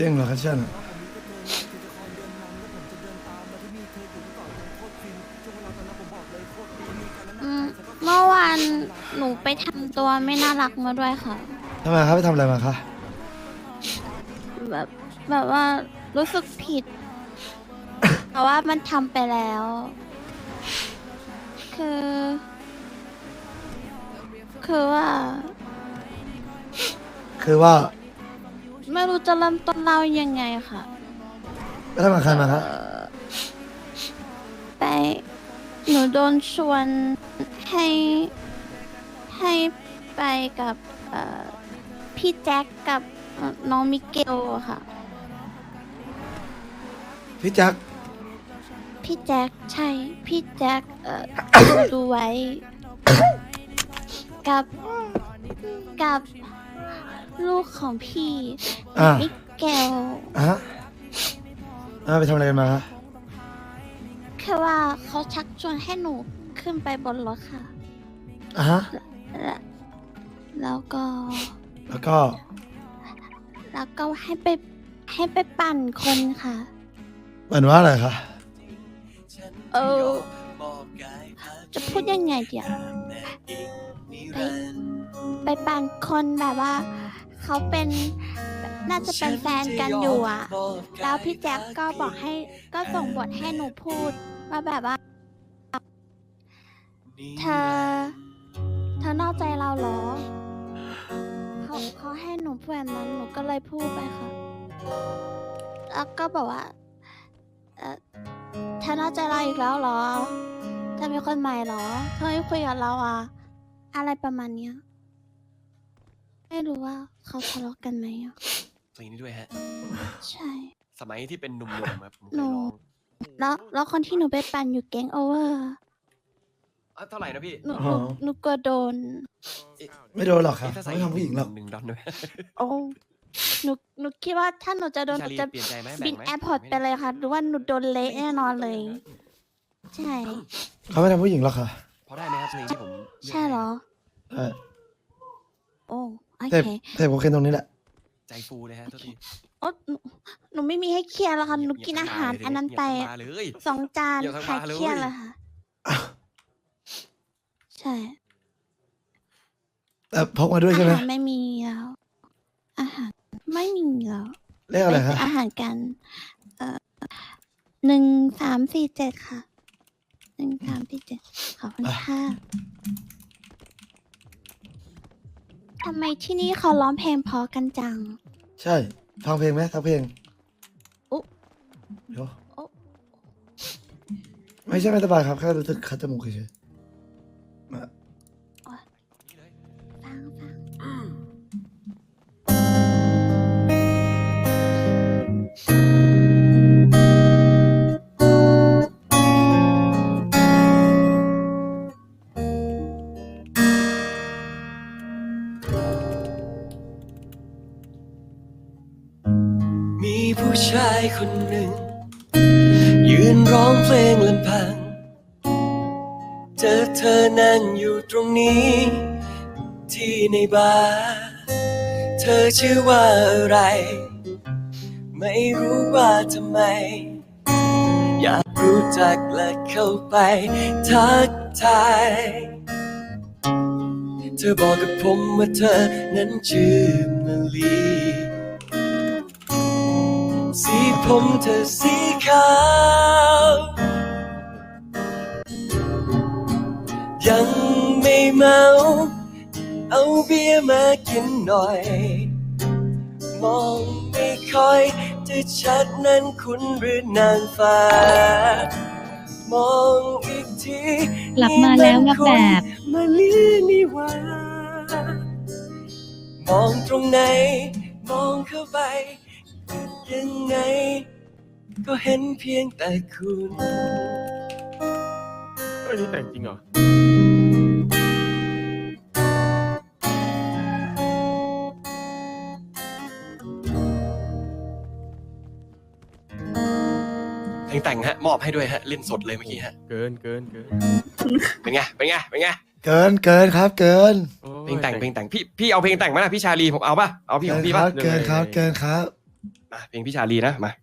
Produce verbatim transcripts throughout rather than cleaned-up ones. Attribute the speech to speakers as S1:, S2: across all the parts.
S1: จริงเหรอครับเช่น
S2: อืมเมื่อวานหนูไปทำตัวไม่น่ารักมาด้วยค่ะ
S1: ทำไมครับไปทำอะไรมาคะ
S2: แบบแบบว่ารู้สึกผิด แต่ว่ามันทำไปแล้ว คือ คือว่า
S1: คือว่า
S2: ไม่รู้จะเริ่มต้นเล่ายังไงค่ะ
S1: ไปทำกับใครมาคะ
S2: เอ่อไปหนูโดนชวนให้ให้ไปกับเอ่อพี่แจ็คกับเอ่อน้องมิเกลอะค่ะ
S1: พี่แจ็ค
S2: พี่แจ็คใช่ พี่แจ็คเอ่อ ดูดูไว้ กับกับลูกของพี่
S1: อ่า
S2: มิเกล
S1: อ่ะอ่าไปทำอะไรกันมาคะ
S2: แค่ว่าเขาชักชวนให้หนูขึ้นไปบนรถค่ะ
S1: อ่ะฮะ
S2: แล้วแล้วก็
S1: แล้วก็
S2: แล้วก็ให้ไปให้ไปปั่นคนค่ะ
S1: เหมือนว่าอะไรคะ
S2: เออ จะพูดยังไงเดี๋ยวไปไปปั่นคนแบบว่า เขาเป็นน่าจะเป็นแฟนกันอยู่อ่ะ แล้วพี่แจ็คก็บอกให้ก็ส่งบทให้หนูพูดว่าแบบว่า เธอ เธอนอกใจเราเหรอ เขาเขาให้หนูพูดแบบนั้นหนูก็เลยพูดไปค่ะ แล้วก็บอกว่า เออเธอนอกใจเราอีกแล้วเหรอเธอมีคนใหม่เหรอเธอไม่คุยกับเราอ่ะ อะไรประมาณเนี้ย ไม่รู้ว่าเขาทะเลาะกันไหมอ่ะ
S3: เพลงนี้ด้วยฮะ
S2: ใช่
S3: สมัยที่เป็นหนุ่มๆครับผมเค
S2: หนู
S3: ยร้อง
S2: แล้วแล้วคนที่หนูไปปั่นอยู่แก๊งโอเวอร์
S3: อ่ะเท่าไหร่นะพี่
S2: หนูหนูหนูกลัวโดน
S1: ไม่โดนหรอกครับ
S3: ถ้าใส่
S1: ไม่ทำผู้หญิงหรอก
S3: หนึ่งดอนด้วย
S2: โอ้หนูหนูคิดว่าถ้าหนูจะโดนห
S3: พี่
S2: นู
S3: ชาลี
S2: จะ
S3: เปลี่ยนใจไหม
S2: บิน
S3: แบ่งไหม
S2: แอร์พอร์ตไปเลยค่ะหรือว่าหนูโดนเละแน่นอนเลย ใช่
S1: เขาไม่ทำผู้หญิงหรอกค่ะ
S3: พอได้ไหมครับเพลงที่ผมลือก
S2: ใช่เหรอ
S1: ใช่
S2: โอ้โอ
S1: เทพ
S2: เค
S1: เทพโอเคตรงนี้แหละ
S3: ใจฟูเลยฮะโทษที
S2: โอ้หนูหนูไม่มีให้เคลียร์แล้วค่ะหนูกินอาหารอันนั้นไป
S3: เงียบทั้งบาร์เลย
S2: สองจาน
S3: เงียบทั้ง
S2: หาย
S3: บาร์เลย
S2: เครียดเลยค่ะ ใช่
S1: แต่พกมาด้วยใช่ไหม
S2: อาหารไม่มีแล้ว อาหารไม่มีแล้ว
S1: เรียกอะไร
S2: ไป
S1: คะ
S2: ซื้ออาหารกัน เอ่อหนึ่งสามสี่เจ็ดค่ะหนึ่งสามสี่เจ็ดขอบคุณค่ะทำไมที่นี่เขาร้องเพลงเพอกันจัง
S1: ใช่ ฟังเพลงไหมทักเพลง
S2: อุ๊
S1: เดี๋ยว
S2: อุ๊
S1: ไม่ใช่ไม่สบายครับ แค่รู้สึกคัดจมูกเฉยๆมา
S2: ฟังฟัง
S3: มีผู้ชายคนหนึ่ง ยืนร้องเพลงลำพัง เจอเธอนั่งอยู่ตรงนี้ ที่ในบาร์เธอชื่อว่าอะไร ไม่รู้ว่าทำไม อยากรู้จักและเข้าไปทักทาย เธอบอกกับผมว่าเธอนั้นชื่อมาลี สีผมเธอสีขาว ยังไม่เมา เอาเบียร์มากินหน่อย มองไม่ค่อยจะชัดนั้นคุณหรือนางฟ้ามองอีกที
S4: กลับมาแล้วนะแบบ
S3: มาลีนี่หว่า มองตรงไหน มองเข้าไป ยังไง ก็เห็นเพียงแต่คุณ
S5: เอ้ยนี่แต่งจริงเหรอ
S3: เพลงแต่งฮะ มอบให้ด้วยฮะ เล่นสดเลยเมื่อกี้ฮะ
S5: เกินเกินเกิน
S3: เป็นไง เป็นไง เป็นไง
S1: เกินเกินครับ เกิน
S5: โอ้ย
S3: เพลงแต่ง เพลงแต่ง พี่ พี่เอาเพลงแต่งมาล่ะพี่ชาลีผมเอาป่ะ เอาพี่ของพี่
S1: ค
S3: ป่ะ
S1: รับ เกินครับ เกินครับ
S3: มาเพลงพี่ชาลีนะมา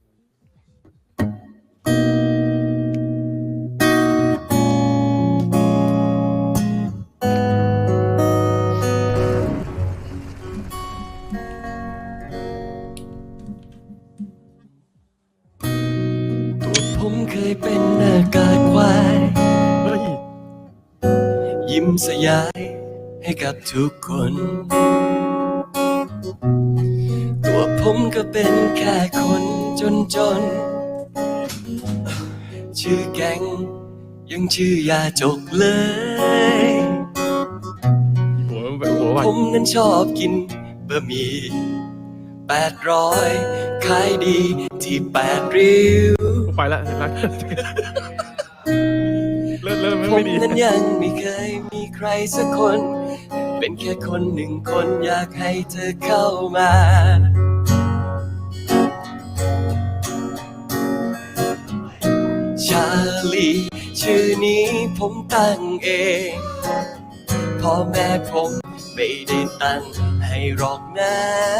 S3: ตัวผมเคยเป็นหน้ากากควาย
S5: เฮ้ย
S3: ยิ้มสยายให้กับทุกคน ตัวผมก็เป็นแค่คนจนจน ชื่อแก๊งยังชื่อยาจกเลย
S5: หัวแบบหัวไหว
S3: ผมนั้นชอบกินบะหมี่แปดร้อยขายดีที่แปดริ้ว
S5: ไปละรักเริ่มเริ่ม
S3: ผ
S5: ไม่
S3: ม
S5: ดี
S3: นั้นยังไม่เคยมีใครสักคน เป็นแค่คนหนึ่งคนอยากให้เธอเข้ามา ชาลีชื่อนี้ผมตั้งเองพ่อแม่ผมไม่ได้ตั้งให้หรอกนะ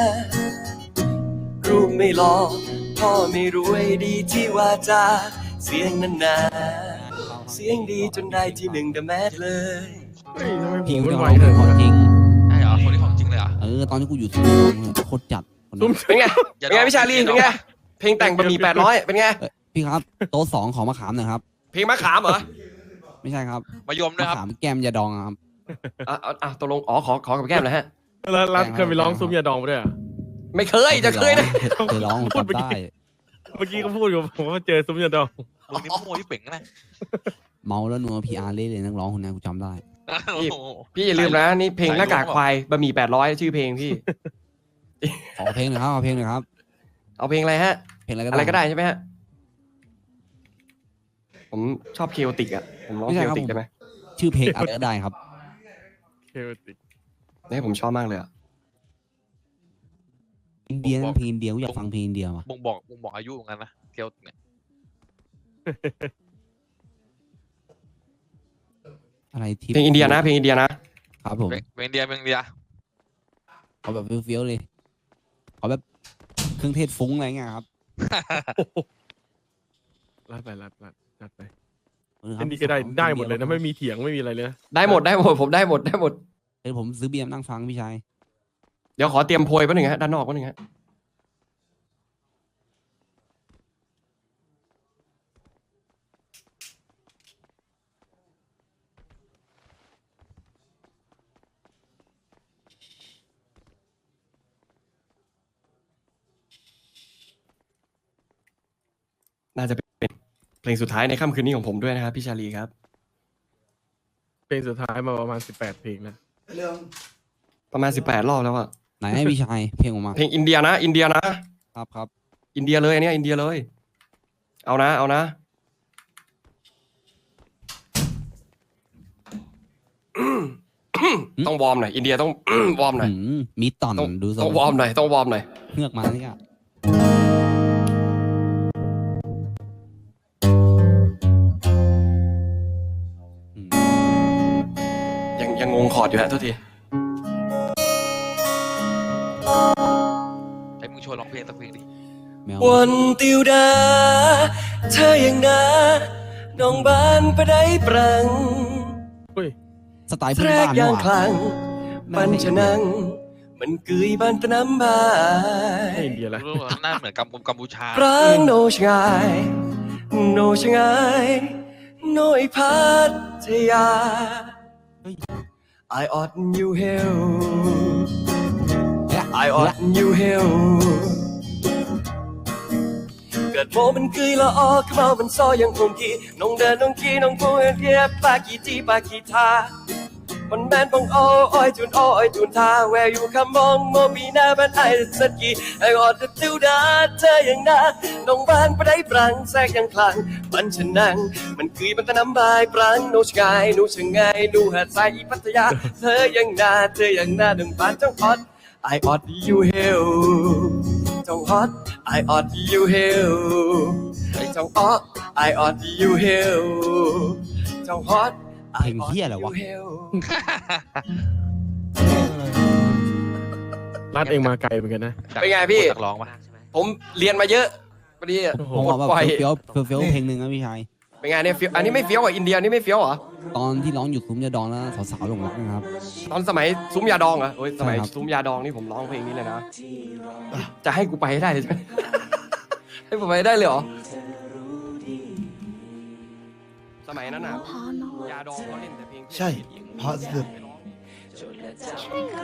S3: รูปไม่หล่อพ่อไม่รวยดีที่ว่าจาเสียงนั้นนาเสียงดีจนได้ที่หนึ่งแต่แมสเลย
S5: เฮ้ยทำไมผ
S6: พี่
S5: ม
S6: ไม่
S5: มัน
S6: ได้
S5: ไหว
S6: ร้อง
S5: เล
S6: เพล
S5: ย
S6: งของจริง
S7: ใช่เหรอคนนี้ของจริงเลยเหรอ
S6: เออตอนที่กูอยู่ซุ้มโคตรจัดคน
S5: ซุ้ม
S6: นั้น
S3: เป็นไงเป็นไงพี่ชาลีเป็นไงเพลงแต่งบะหมี่แปดร้อยเป็นไง
S6: เอ้ยพี่ครับโต๊ะสองของมะขามหน่อยครับ
S3: เพลงมะขามเหรอ
S6: ไม่ใช่ครับ
S7: มายมด้วย
S6: มะ
S7: ครับ
S6: ขามแก้มยาดองอะครับ
S3: อ่ะอ่ะอ่ะตกลงอ๋อขอขอกับแก้มนะฮะ
S5: แล้วรัฐเคยไปร้องซุ้มยาดองมาด้วยเหรอ
S3: ไม่เคยจะเคยนะ
S6: เคยร้องผม
S5: พูด
S6: จำได้
S5: เมื่อกี้ก็พูดกับผมว่าเจอซุ้มยาดอง
S7: มึงนี่มั่วที่เป่งนะ
S6: เมาแล้วนัวพีอาร์เล่เลยนักร้องคนนั้นกูจำได้
S7: โอ้โห
S3: พี่อย่าลืมนะนี่เพลงหน้ากากควายบะหมี่แปดร้อยชื่อเพลงพี่
S6: ขอเพลงหน่อยครับขอเพลงหน่อยครับ
S3: เอาเพลงอะไรฮะ
S6: เพลงอะไรก็
S3: อะไรก็
S6: ได้
S3: ได้ใช่ไหมฮะผมชอบเคโอติกอ่ะผมร้องเคโอติกได้ไหม
S6: ชื่อเพลงอะไรก็ได้ครับ
S5: เคติก
S3: นี่ผมชอบมากเลยอ่ะ
S6: อินเดียนั่นเพลงอินเดียกูอยากฟังเพลงอินเดียว่ะ
S7: บ่งบอกบ่งบอกอายุเหมือนกันนะเกียวเนี่ย
S6: อะไรทิป
S3: เพลงอินเดียนะเพลงอินเดียนะครับ
S6: ผม
S7: เป็นเป็นอินเดียเป็นอินเดีย
S6: ขอแบบเฟี้ยวๆเลยขอแบบเครื่องเทศฟุ้งอะไรเงี้ยครับ
S5: รัดไปรัดรัดรัดไป
S6: เออค
S5: อั
S6: รับ
S5: นนี้ก็ได้ได้หมดเลยนะไม่มีเถียงไม่มีอะไรเลยนะ
S3: ได้หมดได้หมดผมได้หมดได้หมด
S6: เดี๋ยวผมซื้อเบียร์นั่งฟังพี่ชาย
S3: เดี๋ยวขอเตรียมโพยแป๊บหนึงฮะด้านนอกแป๊บหนึงฮะน่าจะเป็นเพลงสุดท้ายในค่ำคืนนี้ของผมด้วยนะครับพี่ชาลีครับ
S5: เพลงสุดท้ายมาประมาณสิบแปดเพลงนะ
S1: เรื่อง
S3: ประมาณสิบแปดรอบแล้วอะ
S6: ไหนให้พี่ชายเพลงออกมา
S3: เพลงอินเดียนะ อินเดียนะครับ
S6: ครับ
S3: อินเดียเลยอันเนี้ยอินเดียเลย เอานะเอานะต้องวอร์มหน่อยอินเดียต้อง วอร์มหน่อย
S6: อืมมีตอน
S3: ต้อง
S6: ดูทร
S3: ต้องวอร์มหน่อยต้องวอร์มหน่อย
S6: เฮือกมาเนี่ยอืม
S3: ยังยังงงคอร์ดอยู่ฮะโทษที
S7: ไอ้มึงชวนร้องเพลงสักเพลงดิ
S6: แมว
S3: วันติวดา เธอยังนาน้องบ้านไปได้ปรัง
S5: เฮ้ย
S6: สไตล์
S3: แท
S6: พื้น
S3: รก
S6: บ้าน
S3: ยาง
S6: ว่ะ
S3: คลังปันชะนัง มันกึยบ้านตะน้ำบา
S5: ไม่
S3: ย
S5: อินเดียละ
S7: รู้ว่าหน้าเหมือนกัมพูกัมพูชา
S3: ปรางโนชงายโนชงายโนยพัทยา I ought you hell I ought you hell เกิดโมมันกึยละออกเมามันซอยังคงกีน้องเดินน้องกีน้องพูดเรียบปากีจีปากีทามันแมนปองโอ้อ้อยจุนโอ้อยจุนทา Where you come on โมบีหน้าบ้านไอ้สักกีไอ้ออดติวดาเธอยังนาน้องบ้านไปได้ปรังแทรกยังคลังมันชะนังมันกึยมันตะน้ำบายปรังโนชงายโนชงายดูหาดทรายอีพัทยาเธอยังนาเธอยังนาดึงบ้านจ้องฮอต I ought you hell จ้องฮอต I ought you hell ไอ้จ้องอ้อ I ought you hell จ้องฮอต
S6: เพลงเหี้ยอะไรวะ
S5: รัดเองมาไกลเหมือนกันนะ
S3: เป็นไงพี่
S7: นักร้องปะ
S3: ผ
S8: ผมเรียนมาเยอะพอดี
S5: โอ้โห
S6: ผม
S8: ปล
S6: เอา
S8: ด
S6: แบบ
S8: ปล่อย
S6: เฟี้ยวๆเฟี้ยวๆเพลงหนึ่งนะพี่ชาย
S8: เป็นไงเนี่ยเฟี้ยวอันนี้ไม่เฟี้ยวกว่าอินเดียนี่ไม่เฟี้ยวเหรอ
S6: ตอนที่ร้องอยู่ซุ้มยาดองแล้วสาวๆหลงรักนะครับ
S8: ตอนสมัยซุ้มยาดองเหรอโอ้ยสมัย
S6: ใช่ครับ
S8: ซุ้มยาดองนี่ผมร้องเพลงนี้เลยนะจะให้กูไปให้ได้ใช่ไหม ให้ผมไปได้เลยเหรอสมัยนั้นอ่ะ
S2: พอเนอะ
S8: ยาดองเขาเล่นแต่เพลง
S1: ใช่เพราะสุด
S2: ใช่ค่ะ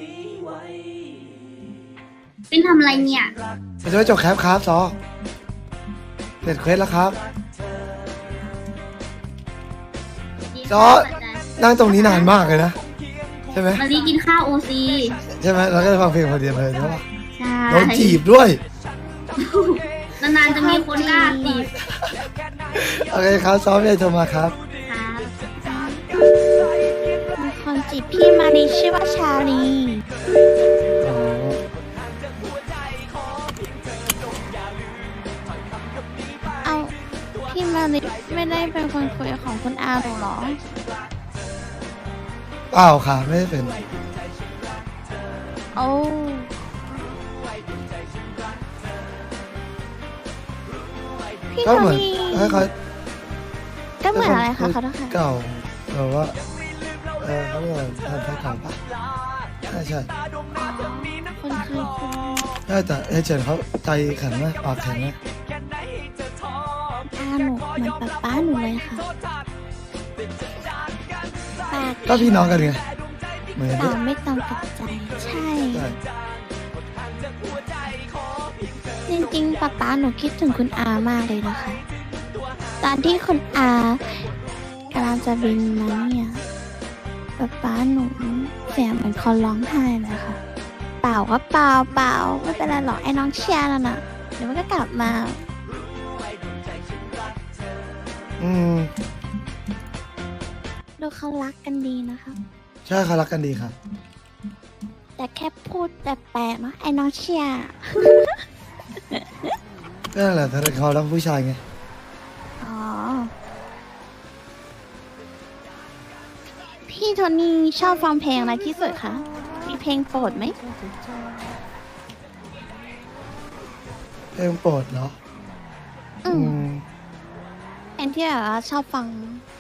S9: เป็นทำอะไรเนี่ย
S1: ไปจะไปจบแคปครับซอเสร็จเควสแล้วครับ จอร์จ นั่งตรงนี้นานมากเลยนะ ใช่ไหม
S9: มารีกินข้าวโอซี
S1: ใช่ไหมเราก็จะฟังเพลงพอดีเลยใช่ปะ
S9: ใช่
S1: โดนจีบด้วย
S9: นานๆจะมีคนกล้าจีบ
S1: โอเคครับซอไม่ได้โทรมาครับ
S9: ครับ
S2: มีคนจีบพี่มารีชื่อว่าชาลี เอาพี่มารีไม่ได้เป็นคนคุยของคุณอาหรอเหรอ
S1: เปล่าค่ะไม่ได้เป็น
S2: โอ้พี่
S1: ก็
S2: โท
S1: เหมือน
S2: นี่
S1: ให้เขา
S2: ก็เหมือนอะไรคะเขาต้องค่ะ
S1: เก่าแบบว่าเออเขาเรียกว่าทำแพ็คเก่าปะใช่ใช่
S2: คนเคยคุย
S1: ใช่แต่เอเจนต์เขาใจแข็งไหมปากแข็งไหม
S2: อาหนูเหมือนป๊าป๊าหนูเลยค่ะปาก
S1: ก็พี่น้องกันไงเหมือน
S2: ต่า
S1: ที่
S2: งไม่ตรงกับใจ ใช่
S1: ใช่
S2: จริงๆป๊าป๊าหนูคิดถึงคุณอามากเลยนะคะ ตอนที่คุณอากำลังจะบินมาเนี่ยป๊าป๊าหนูเสียงเหมือนคนร้องไห้เลยค่ะ เปล่าก็เปล่าเปล่าไม่เป็นไรหรอกไอ้น้องเชียร์นั่นน่ะเดี๋ยวมันก็กลับมา
S1: อืม
S2: ดูเขารักกันดีนะคะ
S1: ใช่เขารักกันดีค่ะ
S2: แต่แค่พูดแปลกๆเนาะไอ้น้องเชียร์
S1: นั่นแหละถ้าเขารักผู้ชายไง
S2: อ๋อ พี่โทนี่ชอบฟังเพลงอะไรที่สุดคะ มีเพลงโปรดไหม
S1: เพลงโปรดเหรอ
S2: อื
S1: อื
S2: ม
S1: ม
S2: เพลงที่แบบว่าชอบฟัง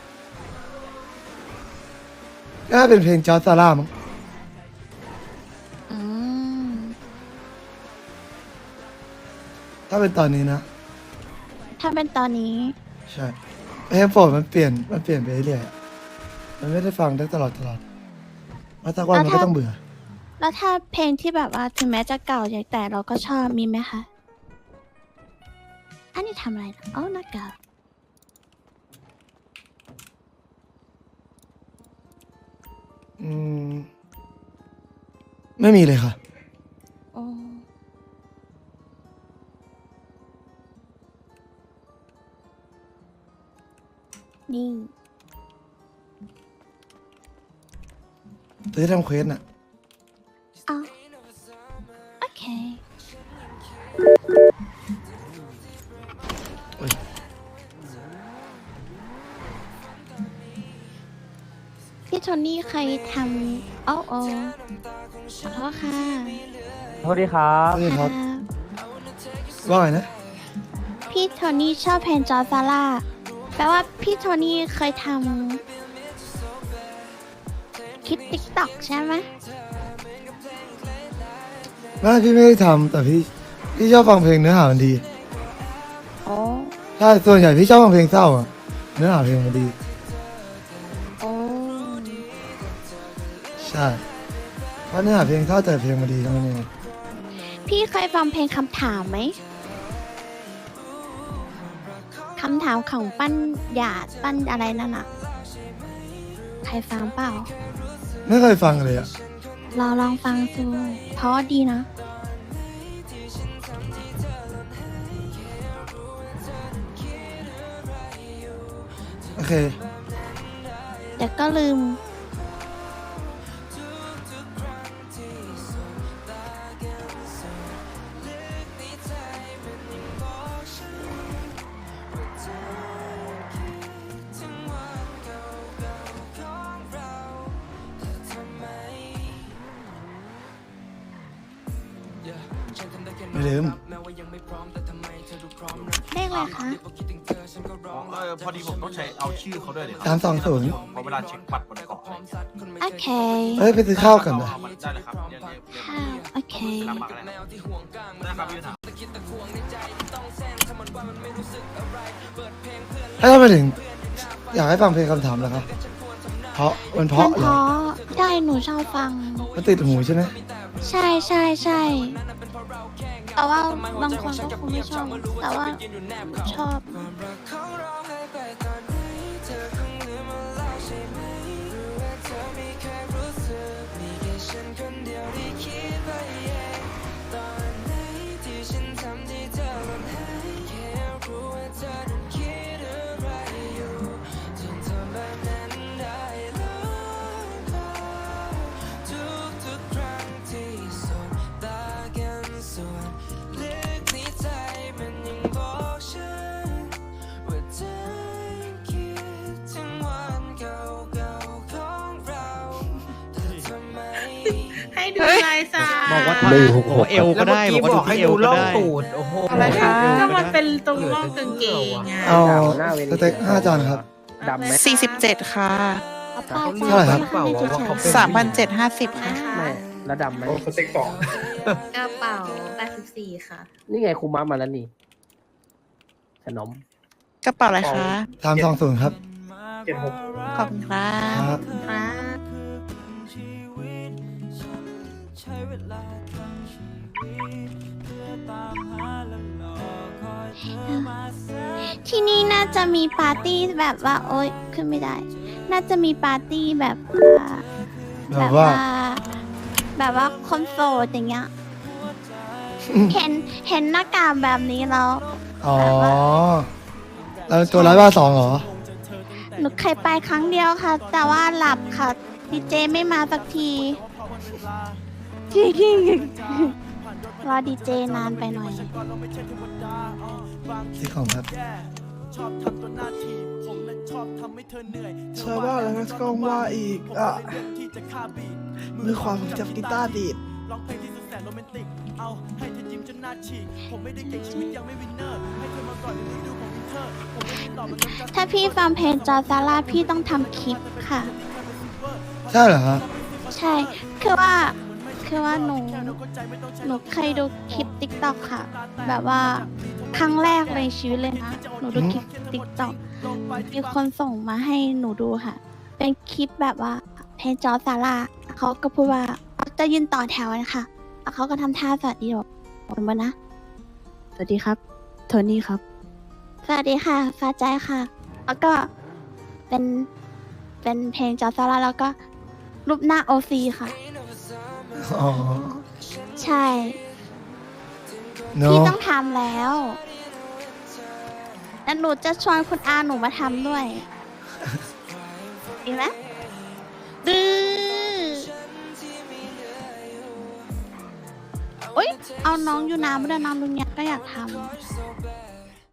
S1: น่าเป็นเพลงจอร์จซาร่ามั้ง
S2: อืม
S1: ถ้าเป็นตอนนี้นะ
S2: ถ้าเป็นตอนนี้
S1: ใช่เพลงโปรดมันเปลี่ยนมันเปลี่ยนไปเรื่อยๆอะมันไม่ได้ฟังได้ตลอดตลอดเพราะสักวันมันก็ต้องเบื่อ
S2: แล้วถ้าเพลงที่แบบว่าถึงแม้จะเก่าอย่างแต่เราก็ชอบมีไหมคะ อันนี้ทำอะไรนะอ๋อนักเก่า
S1: อืม ไม่มีเลยค่ะ
S2: โอ้นี่
S1: ซื้อทำเควสน่ะ
S2: เอาโอเค
S1: โอ้ย
S2: พี่โทนี่เคยทำโอ้โอ้ขอโทษค่ะ
S10: สวัสดีครับ
S1: นี่ครับ
S2: ครับ
S1: ว่าไงนะ
S2: พี่โทนี่ชอบเพลงจอร์จซาร่าแปลว่าพี่โทนี่เคยทำคลิปติ๊กต็อกใช่ไหม
S1: ไม่พี่ไม่ได้ทำแต่พี่พี่ชอบฟังเพลงเนื้อหามันดี
S2: โอ้
S1: ใช่ส่วนใหญ่พี่ชอบฟังเพลงเศร้าอะเนื้อหาเพลงมันดี
S2: โอ้
S1: ใช่เพราะเนื้อหาเพลงเศร้าแต่เพลงมันดีทั้งนั้นเอง
S2: พี่เคยฟังเพลงคำถามไหมคำถามของปั้นหยาดปั้นอะไรนั่นอะใครฟังเปล่า
S1: ไม่เคยฟังเลยอะ
S2: ลองลองฟังดูเพราะดีนะ
S1: โอเค
S2: แต่ก็ลืม
S1: ไม่ลืม
S2: เลขอะไรคะ
S11: เออพอดีผมต้องใช้เอาชื่อเขาด้วยเดี๋ยว
S1: สามสองศูนย์
S11: พอเวลาเช็คบัตรบนเกาะอะไรอย่างเงี้ย
S2: โอเค
S1: เอ้ยไปซื้อข้าวกันนะ
S11: เอามันได้เลยครับเรียกเรียกเรียก
S2: ข้าวโอเค
S11: รับมากันเลยนะครับพี่ถาม
S1: ถ้าทำไมถึง อยากให้ฟังเพลงคำถามเหรอครับเพราะมันเพ
S2: มั
S1: ราะ
S2: น
S1: เห
S2: เพ
S1: รอ
S2: ราะใช่หนูชอบฟัง
S1: มันติดหูใช่ไหม
S2: ใช่ใช่ใช่แต่ว่าบางคนก็คงไม่ชอบ แต่ว่าชอบ
S9: ให้ดูลายสา
S10: บอกว่า
S1: หนึ่งหกหก
S10: เอวก็ได้บอกว่าดูที่เอวก็ได้
S8: โอ้โห
S9: อะไรคะก็มันเป็นตรงร่องกางเกงไง
S1: เอาสเต็กห้าจานครับ
S8: ดำไหม
S9: สี่สิบเจ็ดค่ะ
S2: ป้า
S1: เท่าไหร่ครับ
S9: สามพันเจ็ดห้าสิบค่ะ
S8: ไม่แล้วดำไหม
S11: สเต็กสอง
S9: กระเป๋าแปดสิบสี่ค่ะ
S8: นี่ไงครูม้ามาแล้วนี่ขนม
S9: กระเป๋าอะไรคะ
S1: สามสองศูนย์ครับ
S11: เจ็ดหก
S9: ขอบคุณครั
S1: ครับ บ
S9: ครับ
S2: ที่นี่น่าจะมีปาร์ตี้แบบว่า โอ๊ยขึ้นไม่ได้ น่าจะมีปาร์ตี้แบบว่า
S1: แบบว่า
S2: แบบว่าคนโสดอย่างเงี้ย เห็นเห็นหน้ากากแบบนี้แล้ว
S1: อ๋อแล้วตัวร้ายบ้าสองเหรอ
S2: หนูเคยไปครั้งเดียวค่ะ แต่ว่าหลับค่ะดีเจไม่มาสักที รอดีเจนานไปหน่อย
S1: ที่ของครับชาวบ้านแล้วก็ว่าอีกอ่ะมือขวาผมจับกีตาร์ดีด
S2: ถ้าพี่ฟังเพลงจอร์ซาร่าพี่ต้องทำคลิปค่ะ
S1: ใช่เหรอฮะ
S2: ใช่ คือว่า คือว่าหนู หนูเคยดูคลิปติ๊กต็อกค่ะ แบบว่าครั้งแรกในชีวิตเลยนะ หนูดูคลิปติ๊กต็อกมีคนส่งมาให้หนูดูค่ะ เป็นคลิปแบบว่าเพลงจอร์ซาร่าเขาก็พูดว่าจะยืนต่อแถวนะคะแล้วเขาก็ทำท่าสวัสดีบอกผมว่านะ สวัสดีครับ โทนี่ครับ สวัสดีค่ะ ฟ้าใจค่ะ แล้วก็เป็น เป็นเพลงจอร์ซาร่าแล้วก็รูปหน้าโอซีค่ะ
S1: อ๋อ
S2: ใช่
S1: เน
S2: พี่
S1: อะ
S2: ต้องทำแล้วแล้วหนูจะชวนคุณอาหนูมาทำด้วยดีไหมดื้ออุ้ยเอาน้องอยู่น้ำไม่ได้น้องลุงยักษ์ก็อยากทำ